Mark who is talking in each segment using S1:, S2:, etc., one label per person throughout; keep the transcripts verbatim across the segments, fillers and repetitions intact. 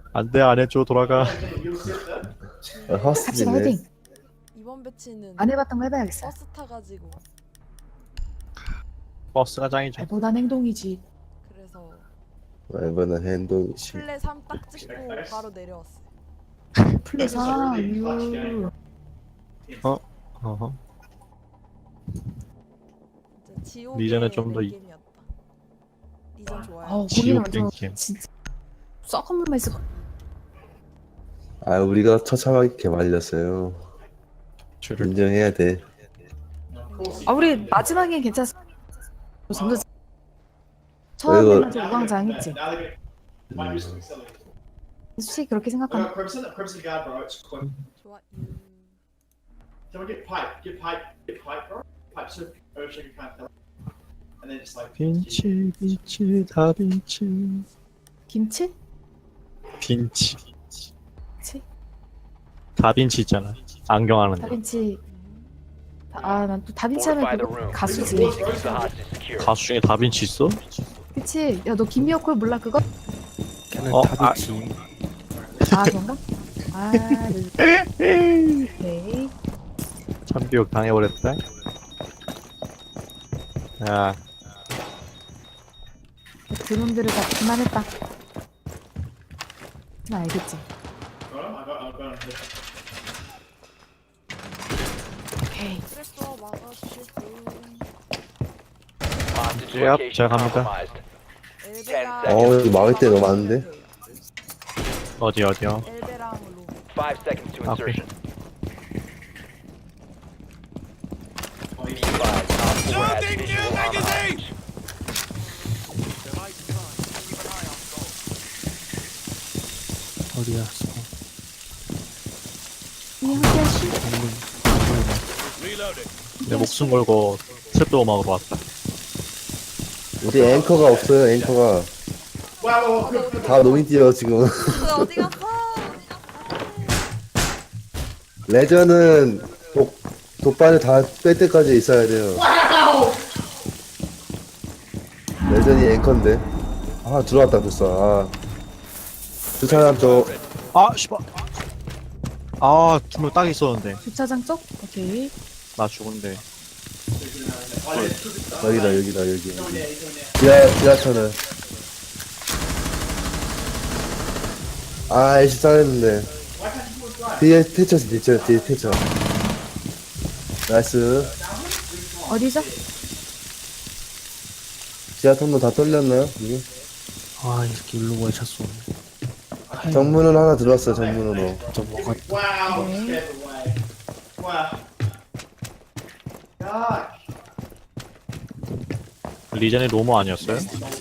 S1: 안돼 안 해줘 돌아가.
S2: 아,
S3: 같이
S2: 허스지네.
S3: 파이팅.
S4: 이번 배치는
S3: 안 해봤던 거 해봐야겠어.
S4: 버스 타가지고
S1: 버스가 짱이죠.
S3: 알보단 행동이지.
S4: 그래서
S2: 이번엔 행동이지.
S4: 플랫 삼 딱 찍고 바로 내려왔어.
S3: 플레이사 유.
S1: 어허.
S4: 진짜 지옥의
S1: 리전은 좀 더 이-
S4: 게임이었다. 리전 좋아요.
S3: 아우 거기는
S1: 지옥
S3: 완전
S1: 땡김.
S3: 진짜 썩은 물만 있어.
S2: 아, 우리가 처참하게 말렸어요.
S1: 줄을
S2: 인정해야 돼.
S3: 아 우리 마지막엔 괜찮았어. 점점
S2: 이거-
S3: 처음에는 좀 우왕좌왕했지.
S2: 음,
S3: 솔직히 그렇게 생각하는.
S4: 좋아. 유.
S1: 빈치 빈치 다빈치
S3: 김치?
S1: 빈치
S3: 치?
S1: 다빈치 있잖아. 안경 하는 데.
S3: 다빈치. 아 난 또 다빈치 하면 그거 가수지.
S1: 가수 중에 다빈치 있어?
S3: 그치? 야 너 김미호콜 몰라 그거?
S5: 걔는
S1: 어,
S5: 다비치.
S3: 아 그런가? 아 네.
S1: 참교육 당해버렸다. 야
S3: 드론들을 다 그만했다. 나 알겠지? 오케이.
S4: 그랬어 막아주실 분.
S1: 예, 제가 갑니다.
S4: 엘베랑
S2: 어, 여기 막을 때 너무 많은데?
S1: 어디 어디요?
S4: 엘베랑 로.
S6: Five seconds to
S1: 아, 오케이.
S6: insertion. Be advised, Op four has visual on the hostage.
S5: 어디 갔어?
S3: 이 함께하시.
S1: 내 목숨 걸고 셋도 음악으로 왔다.
S2: 우리 앵커가 없어요, 앵커가. 다 노인 뛰어, 지금.
S4: 그 어디 갔어?
S2: 레전은 독, 독반을 다 뺄 때까지 있어야 돼요. 레전이 앵커인데. 아, 들어왔다, 벌써. 아. 주차장 쪽.
S1: 아 씨발. 아두 명 딱 있었는데
S3: 주차장 쪽? 오케이.
S1: 나 죽은데.
S2: 여기다, 여기다, 여기. 여기. 지하, 지하철은. 아, 애쉬 잘했는데. 뒤에 태쳐서, 뒤에, 뒤에 태쳐. 나이스.
S3: 어디죠?
S2: 지하 통로 다 뚫렸나요? 이게?
S5: 아, 이 새끼 일로 왜 찼어?
S2: 정문은 하나 들어왔어, 정문으로.
S5: 저 뭐가
S3: 네.
S1: 리전이 로모 아니었어요?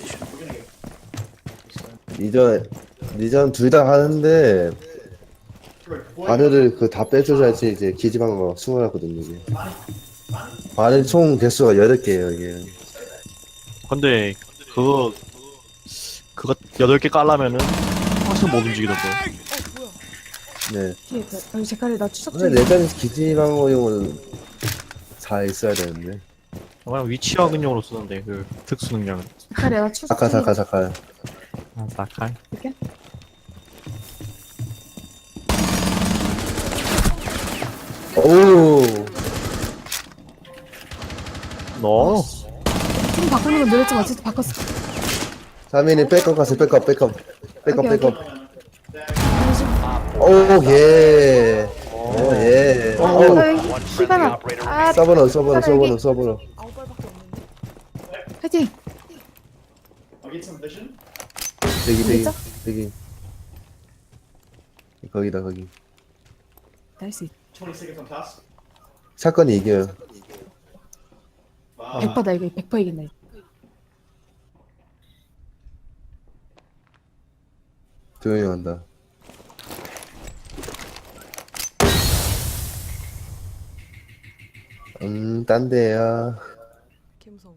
S2: 이전, 이전 둘 다 하는데, 바늘을 그 다 빼줘야지 이제 기집한 거 수월하거든요, 이게. 바늘 총 개수가 여덟 개예요 이게.
S1: 근데 그거 그거 여덟 개 깔라면은 항상 못 움직이던데.
S4: 어 뭐야?
S2: 네.
S3: 뒤에 그- 여기 제칼에 나 추석
S2: 근데
S3: 중에.
S2: 내장에서 기집한 거용은 다 있어야 되는데.
S1: 그냥 위치 확인용으로 쓰는데 그 특수 능력은.
S3: 제칼에 나 추석
S2: 잠깐,
S3: 중에.
S2: 잠깐, 잠깐.
S1: 아 낙할.
S3: 이렇게?
S2: 오,
S1: 너
S3: 팀 바꾸는 건 늘었지만 어쨌든 바꿨어.
S2: 사민이 백업 가세요, 백업, 백업. 백업,
S3: 오케이,
S2: 백업.
S6: Op
S2: 오,
S6: four has
S2: 예. 오, 예.
S3: 어,
S2: 오,
S6: one
S3: 이
S6: friendly
S3: 시간아.
S6: operator
S3: 아,
S2: 서버너, 서버너, 서버너, 서버너.
S4: 아홉 발밖에 없는데.
S3: 파이팅.
S2: 저기, 저기,
S3: 진짜?
S2: 저기. 거기다, 거기.
S3: 할수 있.
S2: 사건이 이겨요.
S3: 백 퍼다 이거 백 퍼 이긴다. 이거.
S2: 조용히 한다. 음, 딴 데야.
S4: 개 무서워.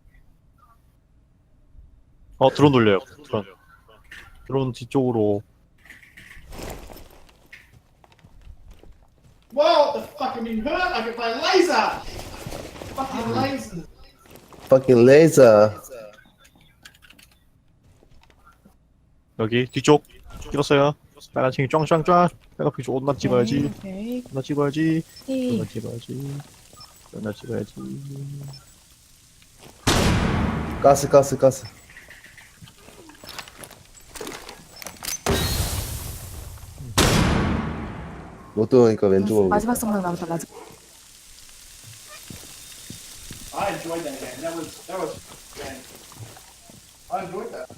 S1: 어 드론 돌려요. 드론. 드론 뒤쪽으로.
S7: Whoa, the fucking been hurt like if I laser! Fucking laser!
S2: Fucking laser.
S1: 여기 뒤쪽 찍었어요. 빨간색이 쫑쫑쫑. 빨간색이 존나 찍어야지.
S3: 오케이.
S1: 존나 찍어야지.
S3: 오케이.
S1: 존나 찍어야지. 존나 찍어야지.
S2: 가스 가스 가스. 못 들어오니까 왼쪽으로.
S3: 마지막 성능 나왔다. 마지막.
S7: I enjoyed that game. That was that was. Man, I enjoyed that.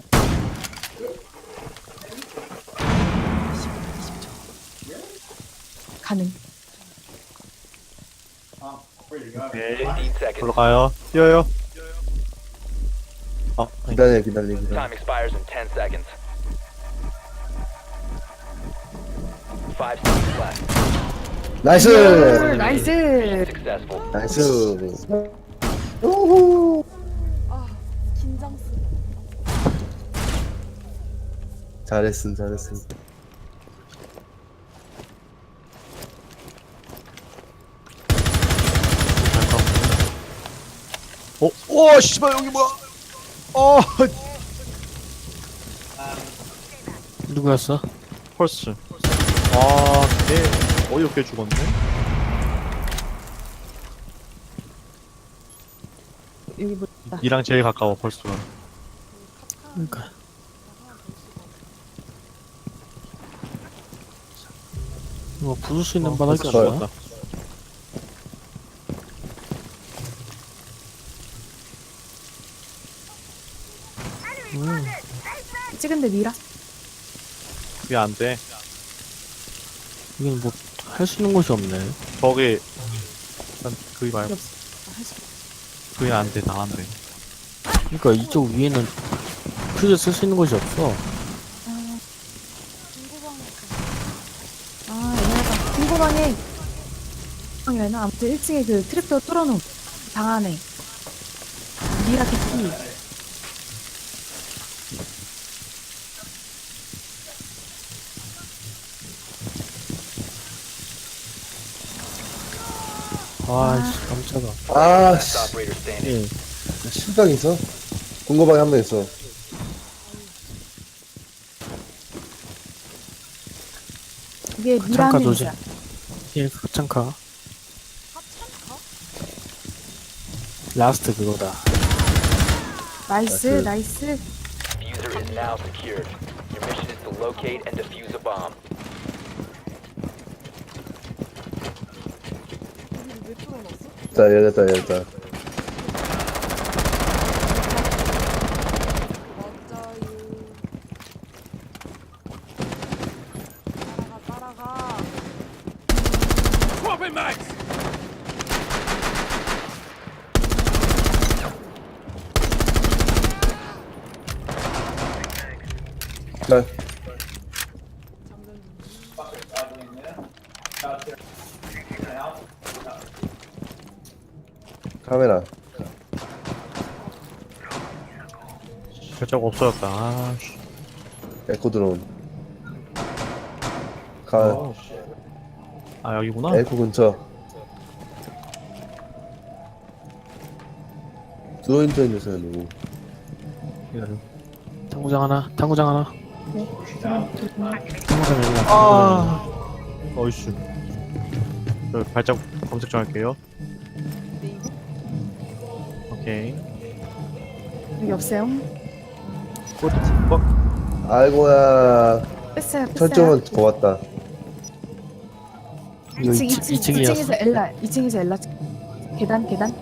S3: 가능.
S7: Um, where you go?
S1: 오케이.
S6: fifteen seconds.
S1: 올라가요. 뛰어요. 아, 아니.
S2: 기다려 기다려 기다려.
S6: Time expires in ten seconds. Five seconds left.
S2: 나이스.
S3: 나이스.
S6: Successful.
S2: 나이스.
S4: 아 긴장스.
S2: 잘했음 잘했음.
S1: 어? 오, 씨발 여기 뭐야? 어,
S5: 누구였어?
S1: 펄스. 아, 개 어이없게 죽었네.
S3: 여기 보다.
S1: 이랑 제일 가까워 펄스가.
S5: 그러니까 이거 부술 수 있는 바닥이
S1: 펄스
S5: 없나?
S1: 죽었다.
S5: 음,
S3: 찍은데 미라.
S1: 그게 안 돼.
S5: 여기는 뭐 할 수 있는 곳이 없네.
S1: 저기 난 그게 말고
S3: 없어. 아, 할 수. 없어.
S1: 그게 안 돼. 다 안 돼.
S5: 그러니까 이쪽 위에는 퓨즈 쓸 수 있는 곳이 없어.
S3: 아, 얘네가 궁금하네. 아니나 아무튼 일 층에 그 트랩도 뚫어놓은 방 안에 미라 캐티.
S5: 아이씨 깜짝아.
S2: 아씨.
S6: Last operator standing.
S5: 예.
S2: 실각 있어? 공고방에 한 명 있어.
S3: 이게 미라
S5: 잠깐
S3: 하는
S5: 조심.
S3: 거야.
S5: 예, 합창카.
S4: 하찮가?
S5: 라스트 그거다.
S3: 나이스,
S2: 나이스.
S3: 나이스.
S6: Diffuser is now secured. Your mission is to locate and defuse a bomb.
S4: 우리 왜 뚫어놨어?
S2: 자 열렸다 열렸다.
S4: 맞아요. 따라가 따라가.
S2: 자 카메라.
S1: 결정 없어졌다. 아, 씨.
S2: 에코 드론. 가
S1: 어. 아 여기구나.
S2: 에코 근처. 드론 쪽 있는 사람 누구?
S1: 기다려.
S5: 탕구장 하나. 탕구장 하나.
S3: 네.
S5: 탕구장 여기다.
S1: 아, 어이씨. 저 발자국 검색 좀 할게요. 오케이.
S3: 여기 없어요.
S1: 꽃, 꽃.
S2: 아이고야.
S3: 뺐어요, 뺐어요.
S2: 철종은 더 왔다.
S5: 이거
S3: 이 층,
S5: 이
S3: 이 층, 이
S5: 층이었어.
S3: 층에서 엘라, 이 층에서 엘라. 계단, 계단.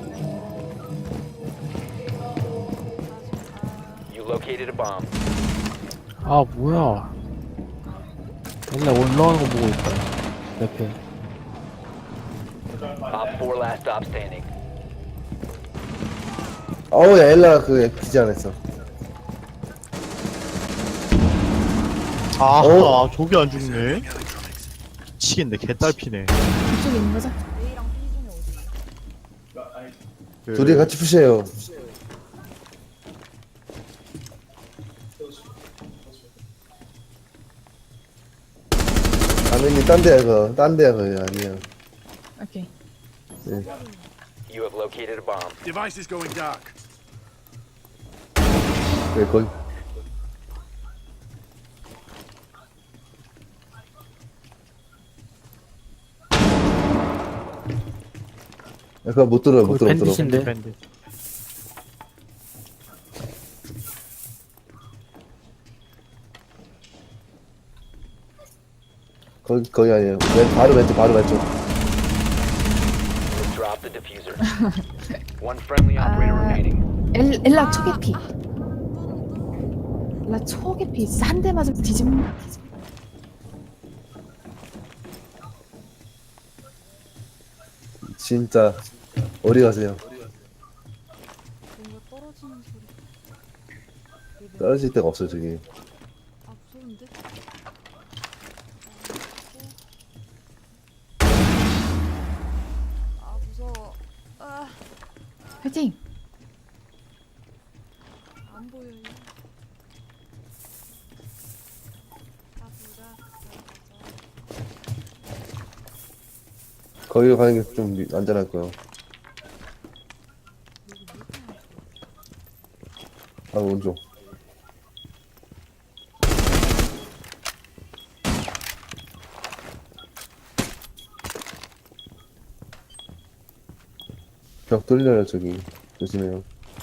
S6: You located a bomb.
S5: 아 뭐야. 맨날 올라오는 거 보고 있다. 옆에.
S6: Op four last stop standing.
S2: 어우 야 엘라 그 기지 안 했어.
S1: 아,
S2: 어?
S1: 아, 저기 안 죽네. 미치겠네. 개딸피네.
S3: 이쪽에 있는 거죠?
S4: A랑 B 중에 어디?
S1: 그,
S2: 둘이 같이 푸시해요. 아니니 딴 데야 그거. 딴 데야 그거 아니야.
S3: 오케이.
S6: You have located a bomb.
S8: Device is going dark.
S2: 왜 거기 그거 못 들어요, 못 들어, 못 들어.
S5: 밴드신데.
S1: 밴드.
S2: 거기, 거기 아니에요. 왼, 바로 왼쪽, 바로 왼쪽.
S6: Drop the diffuser. One friendly operator
S3: Uh,
S6: remaining.
S3: 엘, 엘라 초계피. 엘라 초계피. 진짜 한 대 맞으면 뒤집는.
S2: 진짜, 어디 가세요?
S4: 뭔가 떨어지는 소리.
S2: 떨어질 데가 없어요, 저기.
S4: 아 무서운데? 아 무서워. 아,
S3: 화이팅!
S4: 안 보여요. 아 보자.
S2: 거기로 가는 게 좀 안전할 거예요. 아, 오른쪽. 벽 뚫려요, 저기. 조심해요.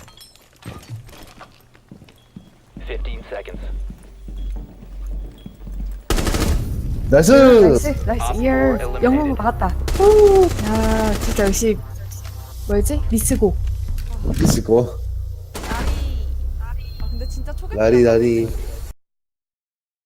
S6: Fifteen seconds.
S2: 나이스!
S3: 나이스! 나이스!
S6: Op
S3: 이어
S6: four eliminated.
S3: 영웅을 막았다. 후! 야 진짜 역시 뭐였지? 리스고.
S2: 미치고.
S4: 아 근데 진짜 초계피.
S2: 라리, 라리.